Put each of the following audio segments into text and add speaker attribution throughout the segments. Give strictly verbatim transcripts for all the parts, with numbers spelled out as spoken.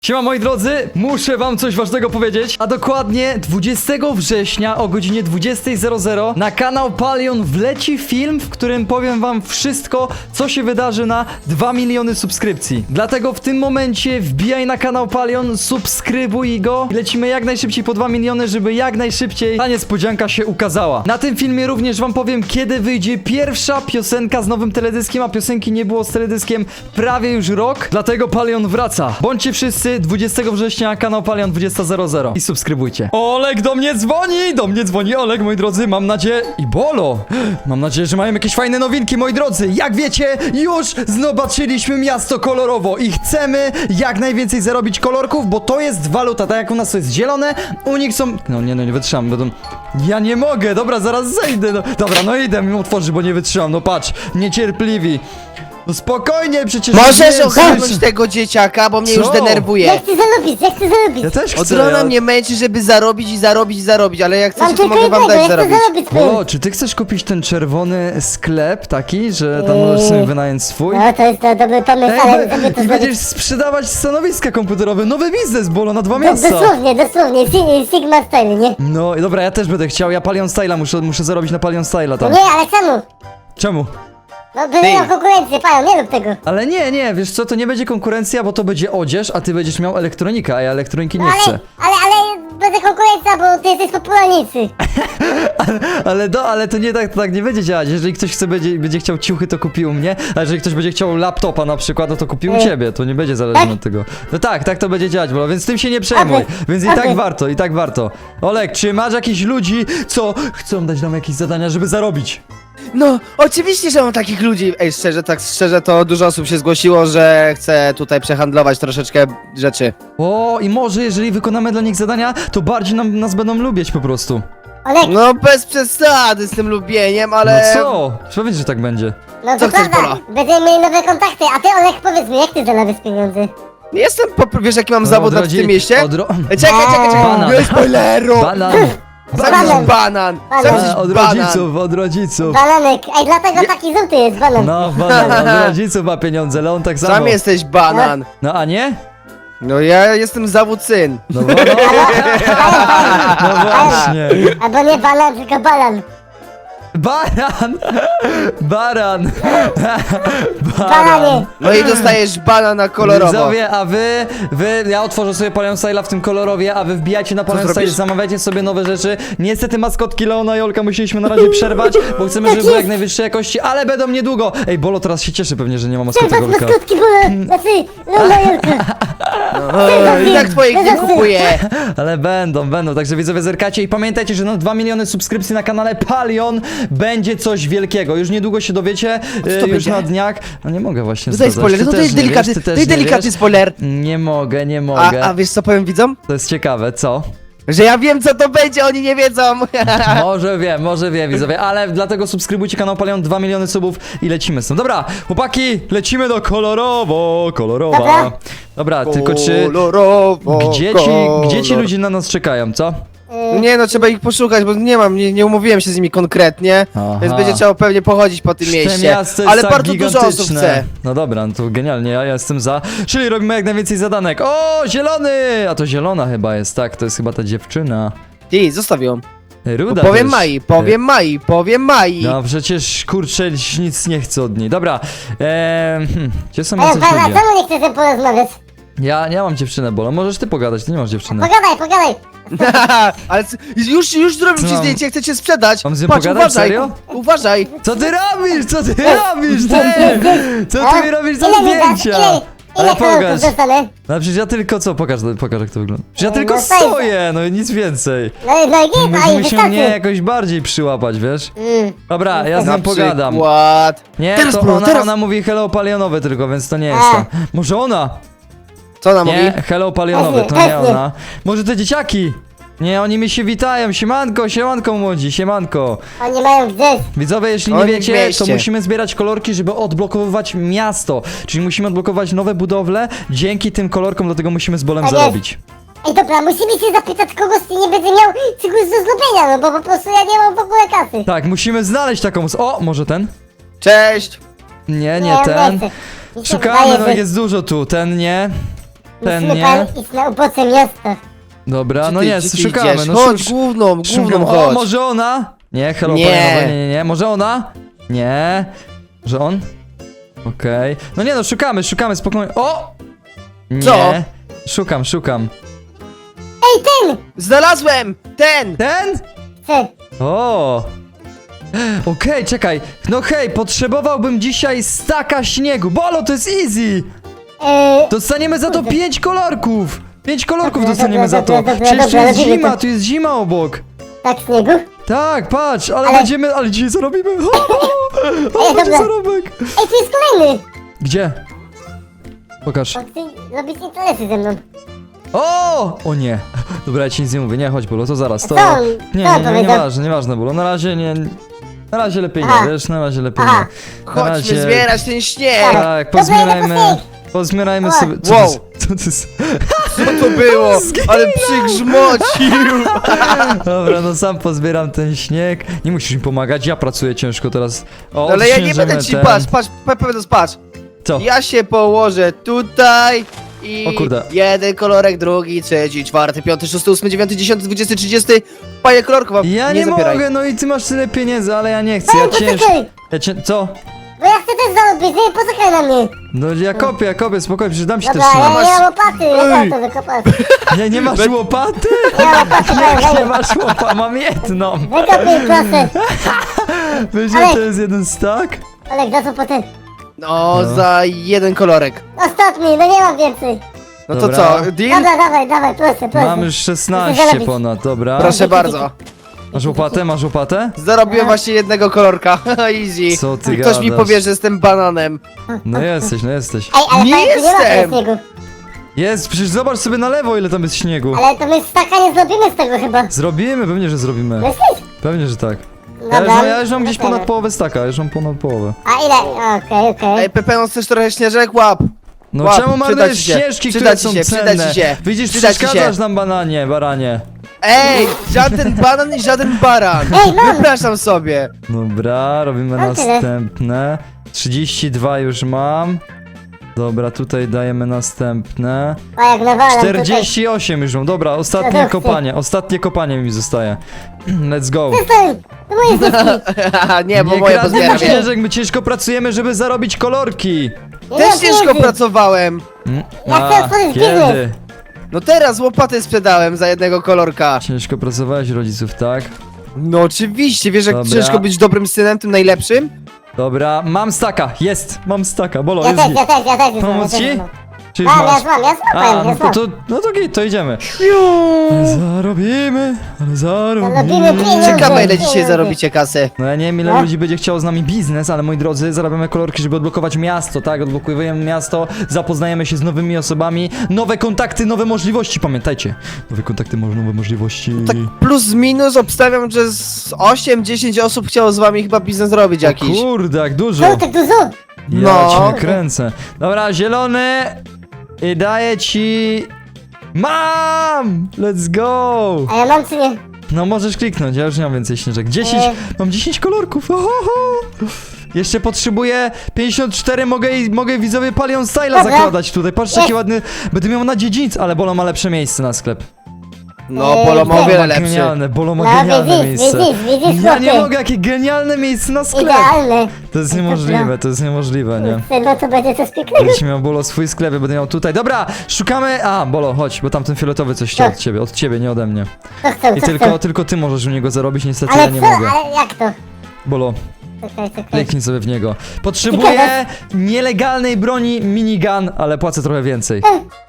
Speaker 1: Siema moi drodzy, muszę wam coś ważnego powiedzieć, a dokładnie dwudziestego września o godzinie dwudziestej na kanał Palion wleci film, w którym powiem wam wszystko, co się wydarzy na dwa miliony subskrypcji. Dlatego w tym momencie wbijaj na kanał Palion, subskrybuj go i lecimy jak najszybciej po dwa miliony, żeby jak najszybciej ta niespodzianka się ukazała. Na tym filmie również wam powiem, kiedy wyjdzie pierwsza piosenka z nowym teledyskiem, a piosenki nie było z teledyskiem prawie już rok, dlatego Palion wraca. Bądźcie wszyscy dwudziestego września, kanał Palion dwudziesta i subskrybujcie. Olek do mnie dzwoni, do mnie dzwoni Olek, moi drodzy, mam nadzieję, i Bolo, mam nadzieję, że mają jakieś fajne nowinki, moi drodzy. Jak wiecie, już zobaczyliśmy miasto kolorowo i chcemy jak najwięcej zarobić kolorków, bo to jest waluta, tak jak u nas to jest zielone, u nich są, no nie, no nie wytrzymam, będą, ja nie mogę, dobra, zaraz zejdę, no, dobra, no idę mi otworzyć, bo nie wytrzymam, no patrz, niecierpliwi. No spokojnie, przecież...
Speaker 2: Możesz
Speaker 1: nie,
Speaker 2: ogarnąć tego dzieciaka, bo mnie
Speaker 1: Co?
Speaker 2: już denerwuje.
Speaker 3: Ja chcę zarobić, ja chcę zarobić.
Speaker 1: Ja też
Speaker 2: Od
Speaker 1: chcę,
Speaker 2: rana
Speaker 1: ja...
Speaker 2: mnie męczy, żeby zarobić i zarobić i zarobić, ale jak
Speaker 3: Mam
Speaker 2: chcecie, to
Speaker 3: tylko
Speaker 2: mogę wam
Speaker 3: jednego,
Speaker 2: dać
Speaker 3: ja chcę
Speaker 2: zarobić.
Speaker 3: zarobić.
Speaker 1: Bolo, czy ty chcesz kupić ten czerwony sklep taki, że tam możesz sobie wynająć swój?
Speaker 3: No to jest to dobry pomysł,
Speaker 1: Ej,
Speaker 3: ale
Speaker 1: bo-
Speaker 3: żeby to
Speaker 1: i będziesz
Speaker 3: zrobić...
Speaker 1: sprzedawać stanowiska komputerowe, nowy biznes, Bolo, na dwa
Speaker 3: Do,
Speaker 1: miasta.
Speaker 3: dosłownie, dosłownie, Si- Sigma Style, nie?
Speaker 1: No i dobra, ja też będę chciał, ja Palion Style'a muszę, muszę zarobić na Palion Style'a
Speaker 3: No
Speaker 1: tam.
Speaker 3: nie, ale czemu?
Speaker 1: Czemu?
Speaker 3: No by miał konkurencję, pają, nie rób tego.
Speaker 1: Ale nie, nie, wiesz co, to nie będzie konkurencja, bo to będzie odzież, a ty będziesz miał elektronikę, a ja elektroniki nie
Speaker 3: No
Speaker 1: chcę.
Speaker 3: ale, ale, ale będzie konkurencja, bo ty jesteś popularnicy.
Speaker 1: Ale do, ale to nie tak, to tak nie będzie działać. Jeżeli ktoś chce, będzie, będzie chciał ciuchy, to kupi u mnie, a jeżeli ktoś będzie chciał laptopa na przykład, no to kupi u
Speaker 3: Ej.
Speaker 1: ciebie, to nie będzie zależne
Speaker 3: Tak?
Speaker 1: od tego. No tak, tak to będzie działać, Bolo, więc tym się nie przejmuj,
Speaker 3: Okej,
Speaker 1: więc i
Speaker 3: okej.
Speaker 1: tak warto, i tak warto. Olek, czy masz jakichś ludzi, co chcą dać nam jakieś zadania, żeby zarobić?
Speaker 2: No, oczywiście, że mam takich ludzi. Ej, szczerze, tak szczerze, to dużo osób się zgłosiło, że chce tutaj przehandlować troszeczkę rzeczy.
Speaker 1: O, i może jeżeli wykonamy dla nich zadania, to bardziej nam, nas będą lubić po prostu.
Speaker 3: Olek,
Speaker 2: No, bez przesady z tym lubieniem,
Speaker 1: No
Speaker 2: ale...
Speaker 1: co? Powiedz, że tak będzie.
Speaker 3: no
Speaker 2: co
Speaker 3: to
Speaker 2: chcesz,
Speaker 3: prawda, będziemy mieli nowe kontakty, a ty Olek powiedz mi, jak ty zarabiasz pieniądze?
Speaker 2: Jestem, po... wiesz jaki mam
Speaker 1: No,
Speaker 2: zawód
Speaker 1: od
Speaker 2: w tym
Speaker 1: rodzi-
Speaker 2: mieście?
Speaker 1: od ro-
Speaker 2: Ej, Czekaj, czekaj, czekaj,
Speaker 1: Banan.
Speaker 2: nie spoileru!
Speaker 1: Banan!
Speaker 2: Sam
Speaker 3: Banan.
Speaker 2: jesteś banan! Sam
Speaker 3: Banan.
Speaker 2: jesteś
Speaker 1: A, od
Speaker 2: banan!
Speaker 1: rodziców, od rodziców.
Speaker 3: Bananek, ej dlatego taki żółty jest banan.
Speaker 1: No, banan, od rodziców ma pieniądze, Leon tak samo.
Speaker 2: Sam jesteś banan!
Speaker 1: No a nie?
Speaker 2: No ja jestem zawód syn.
Speaker 1: No, bo, no, no właśnie.
Speaker 3: Albo nie banan, tylko banan.
Speaker 1: Baran! Baran!
Speaker 3: Bananie.
Speaker 2: No i dostajesz banana kolorowo.
Speaker 1: Widzowie, a wy, wy, ja otworzę sobie Palion Style'a w tym kolorowie, a wy wbijajcie na Palion Style,
Speaker 2: zrobisz?
Speaker 1: zamawiajcie sobie nowe rzeczy. Niestety maskotki Leona i Olka musieliśmy na razie przerwać, bo chcemy, żeby były jak najwyższej jakości, ale będą niedługo. Ej, Bolo teraz się cieszy pewnie, że nie ma maskotek
Speaker 3: Czerwać
Speaker 1: Olka.
Speaker 3: maskotki, bo... Znaczy, no Majorka.
Speaker 2: O, I tak twoich nie kupuję.
Speaker 1: Ale będą, będą, także widzowie zerkacie i pamiętajcie, że na dwa miliony subskrypcji na kanale Palion będzie coś wielkiego. Już niedługo się dowiecie, e,
Speaker 2: to
Speaker 1: już
Speaker 2: będzie?
Speaker 1: na dniach. No nie mogę właśnie
Speaker 2: Tutaj
Speaker 1: zdradzać.
Speaker 2: spoiler,
Speaker 1: Ty
Speaker 2: no to
Speaker 1: też
Speaker 2: jest
Speaker 1: nie
Speaker 2: delikatny,
Speaker 1: wiesz, ty
Speaker 2: to
Speaker 1: też
Speaker 2: jest
Speaker 1: nie
Speaker 2: delikatny
Speaker 1: wiesz.
Speaker 2: spoiler.
Speaker 1: Nie mogę, nie
Speaker 2: A,
Speaker 1: mogę.
Speaker 2: a wiesz co powiem widzom?
Speaker 1: To jest ciekawe, co?
Speaker 2: Że ja wiem co to będzie, oni nie wiedzą.
Speaker 1: Może wiem, może wiem, widzowie, ale dlatego subskrybujcie kanał Palion, dwa miliony subów i lecimy z tym. Dobra, chłopaki, lecimy do kolorowo, kolorowa.
Speaker 3: Dobra.
Speaker 1: Dobra, tylko czy...
Speaker 2: Kolorowo,
Speaker 1: Gdzie ci, gdzie ci
Speaker 2: kolor-
Speaker 1: ludzie na nas czekają, co?
Speaker 2: Nie no, trzeba ich poszukać, bo nie mam, nie, nie umówiłem się z nimi konkretnie,
Speaker 1: Aha.
Speaker 2: więc będzie trzeba pewnie pochodzić po tym
Speaker 1: Te
Speaker 2: mieście.
Speaker 1: miasto jest
Speaker 2: Ale
Speaker 1: tak
Speaker 2: bardzo dużo osób
Speaker 1: gigantyczne.
Speaker 2: chce.
Speaker 1: No dobra, no to genialnie, ja jestem za. Czyli robimy jak najwięcej zadanek. O, zielony! A to zielona chyba jest, tak, to jest chyba ta dziewczyna.
Speaker 2: Ty, zostaw ją.
Speaker 1: Ruda
Speaker 2: Powiem
Speaker 1: też.
Speaker 2: Mai, powiem Mai, powiem Mai.
Speaker 1: No przecież kurczę nic nie chcę od niej. Dobra, eee, hmm, gdzie są
Speaker 3: Ej,
Speaker 1: jacyś
Speaker 3: pana,
Speaker 1: ludzie?
Speaker 3: czemu nie chcesz ze mną porozmawiać?
Speaker 1: Ja nie mam dziewczynę, Bolo, możesz ty pogadać, ty nie masz dziewczyny.
Speaker 3: Pogadaj, pogadaj.
Speaker 2: Ale c- już, już zrobił
Speaker 1: Co
Speaker 2: ci
Speaker 1: mam?
Speaker 2: zdjęcie, chcę cię sprzedać.
Speaker 1: Mam z nią
Speaker 2: Patrz,
Speaker 1: pogadać?
Speaker 2: uważaj,
Speaker 1: Serio?
Speaker 2: uważaj.
Speaker 1: Co ty robisz? Co ty robisz, ty? Co ty mi robisz za
Speaker 3: Ile mi dasz?
Speaker 1: zdjęcia?
Speaker 3: Ile,
Speaker 1: Ale
Speaker 3: ile kolorków
Speaker 1: pokaż.
Speaker 3: dostanę?
Speaker 1: No przecież ja tylko co? Pokaż, pokaż jak to wygląda. Przecież ja
Speaker 3: No,
Speaker 1: tylko
Speaker 3: no fajnie.
Speaker 1: stoję, no i nic więcej.
Speaker 3: No, i- no i git, a i
Speaker 1: Musimy się
Speaker 3: wystarczy.
Speaker 1: mnie jakoś bardziej przyłapać, wiesz?
Speaker 3: Mm.
Speaker 1: Dobra, ja z
Speaker 2: Na
Speaker 1: nią pogadam.
Speaker 2: przykład.
Speaker 1: Nie,
Speaker 2: Teraz,
Speaker 1: to
Speaker 2: bro,
Speaker 1: ona,
Speaker 2: teraz.
Speaker 1: ona mówi hello palionowe tylko, więc to nie jest
Speaker 3: A.
Speaker 1: ta. Może ona?
Speaker 2: Co ona mówi?
Speaker 1: Nie, hello palionowe, to
Speaker 3: Pewnie,
Speaker 1: nie
Speaker 3: pewnie.
Speaker 1: ona. Może te dzieciaki? Nie, oni mi się witają, siemanko, siemanko młodzi, siemanko.
Speaker 3: Oni mają gdzieś.
Speaker 1: Widzowie, jeśli nie
Speaker 2: Oni w
Speaker 1: wiecie, to
Speaker 2: mieście.
Speaker 1: musimy zbierać kolorki, żeby odblokowywać miasto. Czyli musimy odblokować nowe budowle dzięki tym kolorkom, dlatego musimy z bolem
Speaker 3: Tak jest.
Speaker 1: zarobić.
Speaker 3: Ej, dobra, musimy się zapytać kogoś, kto nie będzie miał czegoś do zrobienia, no bo po prostu ja nie mam w ogóle kasy.
Speaker 1: Tak, musimy znaleźć taką... s- O, może ten?
Speaker 2: Cześć.
Speaker 1: Nie, nie
Speaker 3: on
Speaker 1: ten.
Speaker 3: nie chce. Mi się
Speaker 1: Szukamy,
Speaker 3: wydaje,
Speaker 1: no
Speaker 3: że-
Speaker 1: jest dużo tu, ten nie. Ten
Speaker 3: Musimy
Speaker 1: nie.
Speaker 3: pan iść na ubocze miasta.
Speaker 1: Dobra,
Speaker 2: Gdzie
Speaker 1: no
Speaker 2: ty-
Speaker 1: nie,
Speaker 2: gdzie ty
Speaker 1: szukamy.
Speaker 2: idziesz?
Speaker 1: No
Speaker 2: Chodź,
Speaker 1: szuka-
Speaker 2: główną, główną
Speaker 1: szukam. O,
Speaker 2: chodź.
Speaker 1: może ona? Nie, hello,
Speaker 2: Nie.
Speaker 1: panie, nie, nie, nie. Może ona? Nie. Może on? Okej. No nie no, szukamy, szukamy, spokojnie. O! Nie.
Speaker 2: Co?
Speaker 1: Szukam, szukam.
Speaker 3: Ej, ten!
Speaker 2: Znalazłem! Ten!
Speaker 1: Ten?
Speaker 3: Chcę.
Speaker 1: O! Okej, czekaj. No hej, potrzebowałbym dzisiaj staka śniegu. Bolo, to jest easy!
Speaker 3: Eee,
Speaker 1: Dostaniemy za to
Speaker 3: Kurde.
Speaker 1: pięć kolorków! Pięć kolorków
Speaker 3: Dobra,
Speaker 1: dostaniemy za to.
Speaker 3: dobra, dobra,
Speaker 1: Przecież tu
Speaker 3: dobra,
Speaker 1: jest
Speaker 3: robimy
Speaker 1: zima,
Speaker 3: to.
Speaker 1: tu jest zima obok.
Speaker 3: tak, śniegu?
Speaker 1: Tak, patrz, ale,
Speaker 3: Ale-
Speaker 1: będziemy, ale dzisiaj zarobimy. O,
Speaker 3: Ej,
Speaker 1: będzie
Speaker 3: dobra.
Speaker 1: zarobek.
Speaker 3: Ej, tu jest kolejny!
Speaker 1: Gdzie? Pokaż.
Speaker 3: On chce robić interesy ze mną.
Speaker 1: O! O nie. Dobra, ja ci nic nie mówię. Nie, chodź, Bolo, to zaraz. To...
Speaker 3: Co on-
Speaker 1: Nie,
Speaker 3: co on
Speaker 1: nie, nie,
Speaker 3: powiedział?
Speaker 1: nieważne, nieważne, Bolo. Na razie nie... Na razie lepiej
Speaker 3: Aha.
Speaker 1: nie, wiesz, na razie lepiej
Speaker 3: Aha.
Speaker 1: nie. Na
Speaker 2: Chodźmy
Speaker 1: razie...
Speaker 2: zbierać ten śnieg!
Speaker 3: Tak.
Speaker 1: Tak,
Speaker 3: Dobra,
Speaker 1: pozbierajmy...
Speaker 3: idę po
Speaker 1: Pozbierajmy
Speaker 3: O.
Speaker 1: sobie... Co
Speaker 2: Wow.
Speaker 1: to jest? Co to jest?
Speaker 2: Co to było? Ale przygrzmocił!
Speaker 1: Dobra, no sam pozbieram ten śnieg. Nie musisz mi pomagać, ja pracuję ciężko teraz. O,
Speaker 2: No ale ja nie
Speaker 1: odśnieżymy
Speaker 2: będę ci,
Speaker 1: ten-
Speaker 2: patrz, patrz, patrz, patrz.
Speaker 1: Co?
Speaker 2: Ja się położę tutaj i
Speaker 1: O kurde.
Speaker 2: jeden kolorek, drugi, trzeci, czwarty, piąty, szósty, ósmy, dziewiąty, dziesiąty, dwudziesty, trzydziesty. Panie kolorków, a
Speaker 1: Ja
Speaker 2: nie,
Speaker 1: nie,
Speaker 2: zabieraj.
Speaker 1: mogę, no i ty masz tyle pieniędzy, ale ja nie chcę, ja
Speaker 3: Ej,
Speaker 1: ciężko...
Speaker 3: poczekaj!
Speaker 1: Ja cię... Co?
Speaker 3: Bo ja chcę też zarobić, nie? Poczekaj na mnie!
Speaker 1: No ja kopię, ja kopię, spokojnie, przecież dam ci też
Speaker 3: Dobra, ja
Speaker 1: śnieg.
Speaker 3: nie mam łopaty, ja
Speaker 2: Ej.
Speaker 3: mam to wykopać.
Speaker 1: Nie, nie masz łopaty?
Speaker 3: Nie mam łopaty,
Speaker 1: Jak nie
Speaker 3: daj,
Speaker 1: masz łopaty? Mam jedną.
Speaker 3: wykopuj proszę.
Speaker 1: Wiesz,
Speaker 3: Ale-
Speaker 1: że to jest jeden stack?
Speaker 3: Olek, za co potem?
Speaker 2: No,
Speaker 1: No.
Speaker 2: za jeden kolorek.
Speaker 3: Ostatni, no nie mam więcej.
Speaker 2: No to
Speaker 1: Dobra.
Speaker 2: co, deal?
Speaker 3: Dobra, dawaj, dawaj, proszę, proszę.
Speaker 1: Mam już
Speaker 3: Chcę
Speaker 1: szesnaście
Speaker 3: zarobić.
Speaker 1: ponad, dobra.
Speaker 2: Proszę bardzo.
Speaker 1: Masz łopatę, masz łopatę?
Speaker 2: Zarobiłem właśnie jednego kolorka. Easy.
Speaker 1: Co ty
Speaker 2: Ktoś mi
Speaker 1: gadasz?
Speaker 2: powie, że jestem bananem.
Speaker 1: No jesteś, no jesteś.
Speaker 3: Ej, ale
Speaker 2: Nie
Speaker 3: fajnie, nie ma
Speaker 2: jestem.
Speaker 3: tego śniegu.
Speaker 1: Jest, przecież zobacz sobie na lewo, ile tam jest śniegu.
Speaker 3: Ale to my staka nie zrobimy z tego chyba.
Speaker 1: Zrobimy, pewnie, że zrobimy.
Speaker 3: Myślisz?
Speaker 1: Pewnie, że tak. Ja
Speaker 3: Dobra.
Speaker 1: już, mam, ja już mam gdzieś
Speaker 3: Dobra.
Speaker 1: ponad połowę staka, ja już mam ponad połowę.
Speaker 3: A ile? Okej, okej.
Speaker 2: Ej, Pepe, chcesz trochę śnieżek? Łap.
Speaker 1: No
Speaker 2: Łap,
Speaker 1: czemu
Speaker 2: przyda
Speaker 1: marnujesz
Speaker 2: ci się,
Speaker 1: ścieżki,
Speaker 2: przyda
Speaker 1: które
Speaker 2: ci
Speaker 1: są
Speaker 2: się, przyda
Speaker 1: cenne?
Speaker 2: ci się,
Speaker 1: Widzisz,
Speaker 2: przyda ci się.
Speaker 1: przeszkadzasz nam, bananie, baranie.
Speaker 2: Ej, żaden banan i żaden baran.
Speaker 3: Ej, mam.
Speaker 2: Wypraszam sobie.
Speaker 1: Dobra, robimy
Speaker 3: Mam tyle.
Speaker 1: następne. trzydzieści dwa już mam. Dobra, tutaj dajemy następne.
Speaker 3: A jak nawalam
Speaker 1: czterdzieści osiem już mam. Dobra, ostatnie
Speaker 3: Dobra.
Speaker 1: kopanie. Ostatnie kopanie mi zostaje. Let's go.
Speaker 3: tutaj. Przestań! To moje zyski.
Speaker 2: Nie, bo
Speaker 1: Nie
Speaker 2: moje
Speaker 1: kradnij
Speaker 2: pozbieram.
Speaker 1: śnieżek, my ciężko pracujemy, żeby zarobić kolorki.
Speaker 3: Ja nie
Speaker 2: Też
Speaker 3: mam
Speaker 2: ciężko
Speaker 3: pieniędzy.
Speaker 2: pracowałem.
Speaker 1: Mm,
Speaker 3: Ja chcę otworzyć
Speaker 1: kiedy?
Speaker 3: biznes.
Speaker 2: No teraz łopatę sprzedałem za jednego kolorka.
Speaker 1: Ciężko pracowałeś rodziców, tak?
Speaker 2: No oczywiście, wiesz jak
Speaker 1: Dobra.
Speaker 2: ciężko być dobrym synem, tym najlepszym?
Speaker 1: Dobra, mam staka, jest, mam staka, bolo,
Speaker 3: Ja
Speaker 1: jest
Speaker 3: też,
Speaker 1: git.
Speaker 3: ja też, ja też. już mam,
Speaker 1: Pomóc
Speaker 3: ja też
Speaker 1: ci?
Speaker 3: już mam.
Speaker 1: Czy już
Speaker 3: Mam, ja
Speaker 1: masz?
Speaker 3: złam, ja
Speaker 1: A,
Speaker 3: złapałem, ja
Speaker 1: no
Speaker 3: złam.
Speaker 1: to, no to git, to idziemy. Zarobimy, ale
Speaker 3: Zarobimy
Speaker 1: zarobimy.
Speaker 3: pieniądze.
Speaker 2: Ciekawe ile
Speaker 3: Pieniądze.
Speaker 2: dzisiaj zarobicie kasy.
Speaker 1: No ja nie wiem ile
Speaker 3: No.
Speaker 1: ludzi będzie chciało z nami biznes, ale moi drodzy, zarabiamy kolorki, żeby odblokować miasto, tak? Odblokujemy miasto, zapoznajemy się z nowymi osobami, nowe kontakty, nowe możliwości, pamiętajcie. Nowe kontakty, może nowe możliwości.
Speaker 2: Tak plus minus obstawiam, że z osiem dziesięć osób chciało z wami chyba biznes robić
Speaker 1: O
Speaker 2: jakiś.
Speaker 1: kurde, jak dużo.
Speaker 3: No, tak dużo.
Speaker 1: Ja
Speaker 2: No.
Speaker 1: cię kręcę. Dobra, zielony i daję ci... Mam! Let's go!
Speaker 3: A ja mam czy nie?
Speaker 1: No możesz kliknąć, ja już nie mam więcej śnieżek. dziesięć,
Speaker 3: E.
Speaker 1: mam dziesięć kolorków. Ohoho. Jeszcze potrzebuję pięćdziesiąt cztery, mogę, mogę widzowie Palion Styla
Speaker 3: Dobra.
Speaker 1: zakładać tutaj. Patrzcie jaki
Speaker 3: Jest.
Speaker 1: ładny, będę miał na dziedzińcu, ale Bolo ma lepsze miejsce na sklep.
Speaker 2: No,
Speaker 3: Ej,
Speaker 2: Polo ma o
Speaker 3: gdzie?
Speaker 2: wiele
Speaker 1: Ma
Speaker 2: lepszy.
Speaker 1: genialne, Bolo ma
Speaker 3: No,
Speaker 1: genialne
Speaker 3: widzisz,
Speaker 1: miejsce.
Speaker 3: widzisz, widzisz,
Speaker 1: Ja nie
Speaker 3: chłopie.
Speaker 1: mogę, jakie genialne miejsce na sklep.
Speaker 3: Idealne.
Speaker 1: To jest niemożliwe, to jest niemożliwe, nie?
Speaker 3: No to będzie coś pięknego.
Speaker 1: Będziesz miał Bolo swój sklep, ja będę miał tutaj. Dobra, szukamy. A, Bolo, chodź, bo tamten fioletowy coś chciał
Speaker 3: Tak.
Speaker 1: od ciebie, od ciebie, nie ode mnie.
Speaker 3: Co chcą,
Speaker 1: I
Speaker 3: co
Speaker 1: tylko,
Speaker 3: chcą?
Speaker 1: tylko ty możesz u niego zarobić, niestety
Speaker 3: Ale
Speaker 1: ja nie
Speaker 3: co,
Speaker 1: mogę.
Speaker 3: ale jak to?
Speaker 1: Bolo,
Speaker 3: Czekaj, czekaj.
Speaker 1: kliknij sobie w niego. Potrzebuję nielegalnej broni minigun, ale płacę trochę więcej.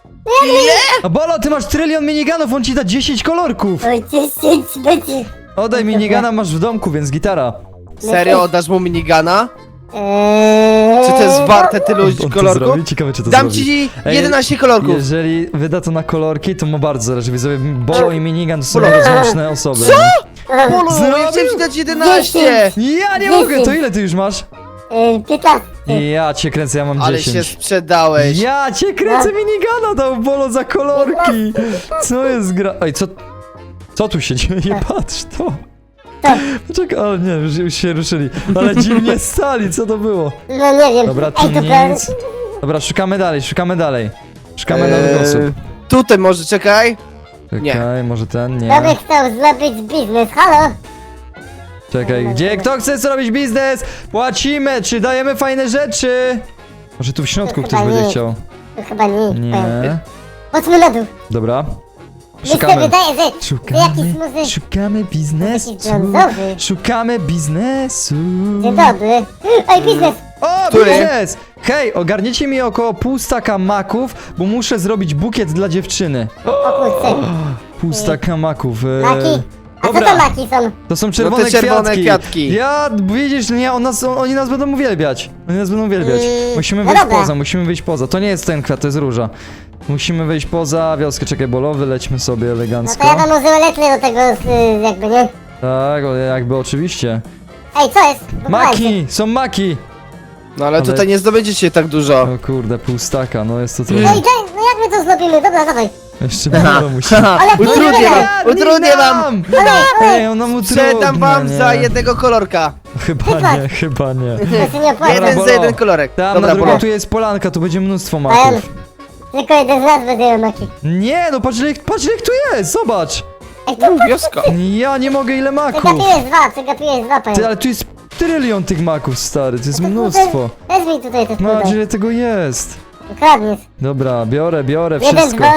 Speaker 1: A Bolo, ty masz trylion minigunów, on ci da dziesięć kolorków.
Speaker 3: Oj, dziesięć będzie.
Speaker 1: Oddaj minigana, masz w domku, więc gitara.
Speaker 2: Serio, oddasz mu minigana?
Speaker 3: Eee,
Speaker 2: Czy to jest warte tylu
Speaker 1: On to
Speaker 2: kolorków?
Speaker 1: zrobi? Ciekawe, czy to
Speaker 2: Dam
Speaker 1: zrobi.
Speaker 2: ci
Speaker 1: Ej,
Speaker 2: jedenaście kolorków.
Speaker 1: Jeżeli wyda to na kolorki, to mu bardzo zależy. Widzowie, Bolo i minigun to są
Speaker 2: Bolo.
Speaker 1: rozłączne osoby.
Speaker 2: Polo, ja
Speaker 1: Zrobił?
Speaker 2: chciałem ci dać jedenaście!
Speaker 1: Ja nie mogę, to ile ty już masz?
Speaker 3: Eee, piętnaście.
Speaker 1: Ja cię kręcę, ja mam
Speaker 2: Ale się
Speaker 1: dziesięć.
Speaker 2: sprzedałeś.
Speaker 1: Ja cię kręcę, minigana dał Bolo za kolorki. Co jest gra... Ej, co... Co tu się dzieje? Patrz, to...
Speaker 3: Tak.
Speaker 1: Poczekaj, ale nie, już, już się ruszyli. Ale dziwnie stali, co to było?
Speaker 3: No nie wiem.
Speaker 1: Dobra, tu
Speaker 3: Ej, to prawda.
Speaker 1: nic. Dobra, szukamy dalej, szukamy dalej. Szukamy nowych osób.
Speaker 2: Eee, Tutaj może, czekaj. nie.
Speaker 1: Czekaj, może ten,
Speaker 3: Kto by
Speaker 1: nie.
Speaker 3: chciał zrobić biznes, halo?
Speaker 1: Czekaj, gdzie? Kto chce zrobić biznes? Płacimy, czy dajemy fajne rzeczy? Może tu w środku
Speaker 3: To
Speaker 1: ktoś
Speaker 3: chyba
Speaker 1: będzie
Speaker 3: nie.
Speaker 1: chciał.
Speaker 3: To chyba nie, powiem.
Speaker 1: Nie.
Speaker 3: Chodźmy na dół.
Speaker 1: Dobra.
Speaker 3: Mi się
Speaker 1: Szukamy.
Speaker 3: wydaje, że, że jakiś
Speaker 1: Szukamy,
Speaker 3: muzyk...
Speaker 1: szukamy biznesu.
Speaker 3: Jakiś brązowy.
Speaker 1: Szukamy biznesu.
Speaker 3: Dzień dobry. Ej, biznes!
Speaker 1: O,
Speaker 2: Który?
Speaker 1: biznes! Hej, ogarniecie mi około pół staka maków, bo muszę zrobić bukiet dla dziewczyny.
Speaker 3: O kurczę.
Speaker 1: Pół staka maków. e,
Speaker 3: Maki. A co
Speaker 2: dobra.
Speaker 3: to maki są?
Speaker 1: To są czerwone,
Speaker 2: No te czerwone
Speaker 1: kwiatki.
Speaker 2: kwiatki.
Speaker 1: Ja, widzisz, nie, on nas, on, oni nas będą uwielbiać. Oni nas będą uwielbiać.
Speaker 3: Yy,
Speaker 1: Musimy
Speaker 3: no
Speaker 1: wyjść
Speaker 3: dobra.
Speaker 1: poza, musimy wyjść poza. To nie jest ten kwiat, to jest róża. Musimy wyjść poza wioskę, czekaj, bolowy, lećmy sobie
Speaker 3: No
Speaker 1: elegancko.
Speaker 3: to ja wam użyłem letry do tego, y, jakby, nie?
Speaker 1: Tak, o, jakby oczywiście.
Speaker 3: Ej, co jest? Pochowajcie.
Speaker 1: Maki! Są maki!
Speaker 2: No ale
Speaker 1: Ale-
Speaker 2: tutaj nie zdobędziecie tak dużo.
Speaker 1: O kurde, pół staka, no jest to
Speaker 3: Ej,
Speaker 1: trochę.
Speaker 3: daj, no jak my to zrobimy? Dobra, dawaj.
Speaker 1: Jeszcze bolo musi.
Speaker 3: Ale
Speaker 2: Utrudnię
Speaker 3: nie,
Speaker 2: wam,
Speaker 1: nie,
Speaker 2: utrudnię
Speaker 1: nie
Speaker 2: wam!
Speaker 1: nam!
Speaker 3: Ale,
Speaker 1: Ej, on nam utrudnia,
Speaker 2: Sprzedam wam
Speaker 1: nie.
Speaker 2: za jednego kolorka.
Speaker 1: Chyba nie, chyba nie.
Speaker 3: to się nie opłaca.
Speaker 2: Jeden
Speaker 1: Bolo.
Speaker 2: za jeden kolorek.
Speaker 1: Tam
Speaker 2: Dobra,
Speaker 1: na drugą
Speaker 2: Bolo.
Speaker 1: tu jest polanka, tu będzie mnóstwo
Speaker 3: Ej,
Speaker 1: maków.
Speaker 3: tylko jeden z nas będzie maki.
Speaker 1: Nie, no patrz ile, ich- patrz ile ich tu jest, zobacz!
Speaker 3: Ej, tu
Speaker 2: Wioska.
Speaker 1: Ja nie mogę, ile maków!
Speaker 3: przegapiłeś dwa, przegapiłeś dwa,
Speaker 1: Ty,
Speaker 3: panie.
Speaker 1: ale tu jest trylion tych maków, stary, to jest
Speaker 3: To
Speaker 1: mnóstwo.
Speaker 3: tutaj- Weź mi tutaj te
Speaker 1: No,
Speaker 3: tutaj.
Speaker 1: ile tego jest?
Speaker 3: Ukradniesz.
Speaker 1: Dobra, biorę, biorę
Speaker 3: Jeden,
Speaker 1: wszystko.
Speaker 3: dwa.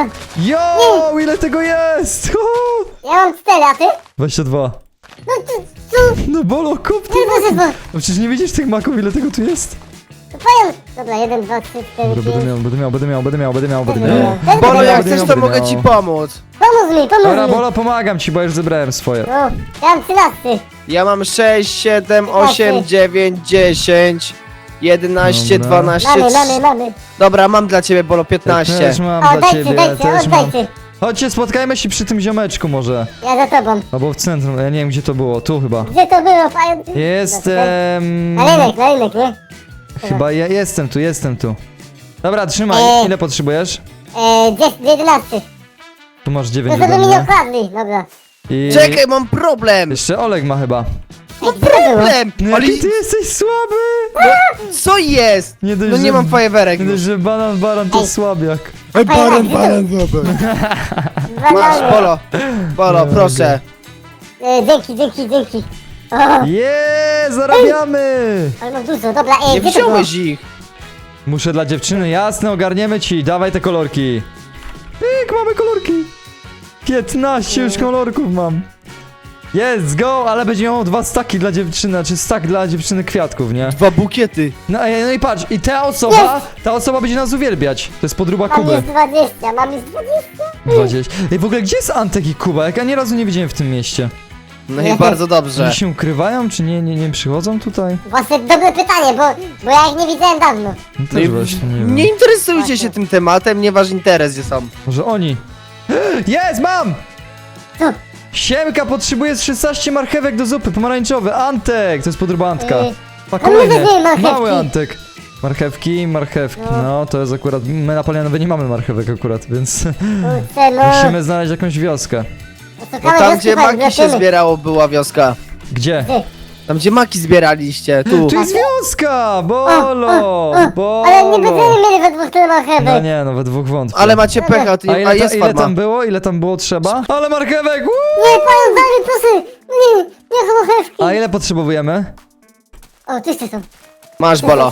Speaker 1: Jo, ile tego jest!
Speaker 3: Ja mam cztery, a ty?
Speaker 1: dwadzieścia dwa.
Speaker 3: No tu, tu.
Speaker 1: No bolo, kup ty
Speaker 3: Nie, proszę,
Speaker 1: maków. No przecież nie widzisz tych maków, ile tego tu jest?
Speaker 3: tu pająk. Dobra, jeden, dwa, trzy, cztery,
Speaker 1: Dobra, będę
Speaker 3: pięć.
Speaker 1: miał, będę miał, będę miał, będę miał, będę miał, będę miał.
Speaker 3: Dobra.
Speaker 2: Bolo,
Speaker 1: Będę
Speaker 2: jak
Speaker 1: miał,
Speaker 2: chcesz, to
Speaker 1: będę
Speaker 2: mogę
Speaker 1: miał.
Speaker 2: ci pomóc.
Speaker 3: Pomóż mi, pomóż
Speaker 1: Dobra,
Speaker 3: mi.
Speaker 1: Bolo, pomagam ci, bo już zebrałem swoje.
Speaker 3: No, ja mam trzynasty.
Speaker 2: Ja mam sześć, siedem, osiem,
Speaker 3: Osiem.
Speaker 2: dziewięć, dziesięć, jedenaście,
Speaker 1: Dobra.
Speaker 2: dwanaście.
Speaker 3: Mamy, mamy, mamy.
Speaker 2: Dobra, mam dla ciebie, Bolo,
Speaker 1: Ja
Speaker 2: piętnaście.
Speaker 1: też mam
Speaker 3: O,
Speaker 1: dla
Speaker 3: dajcie,
Speaker 1: ciebie,
Speaker 3: dajcie,
Speaker 1: też mam.
Speaker 3: oddajcie.
Speaker 1: Chodźcie, spotkajmy się przy tym ziomeczku może.
Speaker 3: Ja za tobą.
Speaker 1: Albo w centrum, ja nie wiem gdzie to było, tu chyba.
Speaker 3: Gdzie to było, pająk?
Speaker 1: Jestem...
Speaker 3: Na rynek, na rynek, nie?
Speaker 1: Chyba ja jestem tu, jestem tu. Dobra, trzymaj,
Speaker 3: Eee.
Speaker 1: ile potrzebujesz?
Speaker 3: Eee, dziesięć, jedenaście.
Speaker 1: Tu masz
Speaker 3: No
Speaker 1: dziewięć
Speaker 3: to by
Speaker 1: ode
Speaker 3: mi nie
Speaker 1: mnie.
Speaker 3: okradli, dobra.
Speaker 1: I...
Speaker 2: Czekaj, mam problem.
Speaker 1: Jeszcze Oleg ma chyba.
Speaker 3: Ej, gdzie to było?
Speaker 2: Problem.
Speaker 1: No
Speaker 2: Ale
Speaker 1: jaki ty jesteś słaby!
Speaker 2: co jest?
Speaker 1: Nie dość,
Speaker 2: No nie
Speaker 1: że-
Speaker 2: mam fajerwerek.
Speaker 1: Nie dość, że banan, baran to
Speaker 3: Ej.
Speaker 1: słabiak.
Speaker 2: Ej,
Speaker 3: baran,
Speaker 2: baran,
Speaker 3: Dwa
Speaker 2: Masz,
Speaker 3: dolary.
Speaker 2: Bolo. Bolo,
Speaker 1: Nie
Speaker 2: proszę.
Speaker 3: Eee, dzięki, dzięki, dzięki. O,
Speaker 1: Jeee, zarabiamy!
Speaker 3: ale mam dużo, dobra, ej,
Speaker 2: Nie
Speaker 3: gdzie to było?
Speaker 2: wziąłeś ich.
Speaker 1: Muszę dla dziewczyny, jasne, ogarniemy ci, dawaj te kolorki. Pyk, mamy kolorki. piętnaście już kolorków mam. Jest, go, ale będzie miał dwa staki dla dziewczyny, znaczy stak dla dziewczyny kwiatków, nie?
Speaker 2: Dwa bukiety.
Speaker 1: No, ej, no i patrz, i ta osoba, ta osoba będzie nas uwielbiać. To jest podróba
Speaker 3: Mam
Speaker 1: Kuby.
Speaker 3: już dwadzieścia, mam już dwadzieścia.
Speaker 1: dwadzieścia. Ej, w ogóle gdzie jest Antek i Kuba? Jak ja ani razu nie widziałem w tym mieście.
Speaker 2: No i bardzo dobrze.
Speaker 1: Oni się ukrywają, czy nie, nie, nie przychodzą tutaj?
Speaker 3: Właśnie dobre pytanie, bo, bo ja ich nie widziałem dawno.
Speaker 1: No
Speaker 2: No
Speaker 1: też
Speaker 2: i
Speaker 1: właśnie, nie wiem.
Speaker 2: nie interesujcie się tym tematem, nie wasz interes, gdzie są.
Speaker 1: Może oni? Jest, mam!
Speaker 3: Co?
Speaker 1: Siemka, potrzebuje z szesnaście marchewek do zupy, pomarańczowy, Antek! To jest podróba Antka.
Speaker 3: Yy,
Speaker 1: Pa,
Speaker 3: a
Speaker 1: kolejny,
Speaker 3: może nie marchewki?
Speaker 1: mały Antek. Marchewki, marchewki,
Speaker 3: No.
Speaker 1: no to jest akurat, my na Polianowie nie mamy marchewek akurat, więc
Speaker 3: Kurczę, no.
Speaker 1: musimy znaleźć jakąś wioskę.
Speaker 2: No
Speaker 3: Szukamy
Speaker 2: tam,
Speaker 3: wioski,
Speaker 2: gdzie
Speaker 3: panie,
Speaker 2: maki się
Speaker 3: zobaczymy.
Speaker 2: zbierało, była wioska.
Speaker 1: Gdzie?
Speaker 3: Gdzie?
Speaker 2: Tam, gdzie maki zbieraliście, tu.
Speaker 1: Tu jest wioska! Bolo! Bolo!
Speaker 3: Ale nie będziemy mieli we dwóch tyle marchewek.
Speaker 1: No nie, no we dwóch wątpię.
Speaker 2: Ale macie pecha, to
Speaker 1: A
Speaker 2: nie,
Speaker 1: ile,
Speaker 2: a
Speaker 1: ta,
Speaker 2: jest
Speaker 1: ile
Speaker 2: farma.
Speaker 1: tam było? Ile tam było trzeba? Ale marchewek! Woo!
Speaker 3: Nie, pająk, daj mi proszę. Nie, nie marchewki.
Speaker 1: A ile potrzebujemy?
Speaker 3: O, tu jeszcze są.
Speaker 2: Masz, Bolo.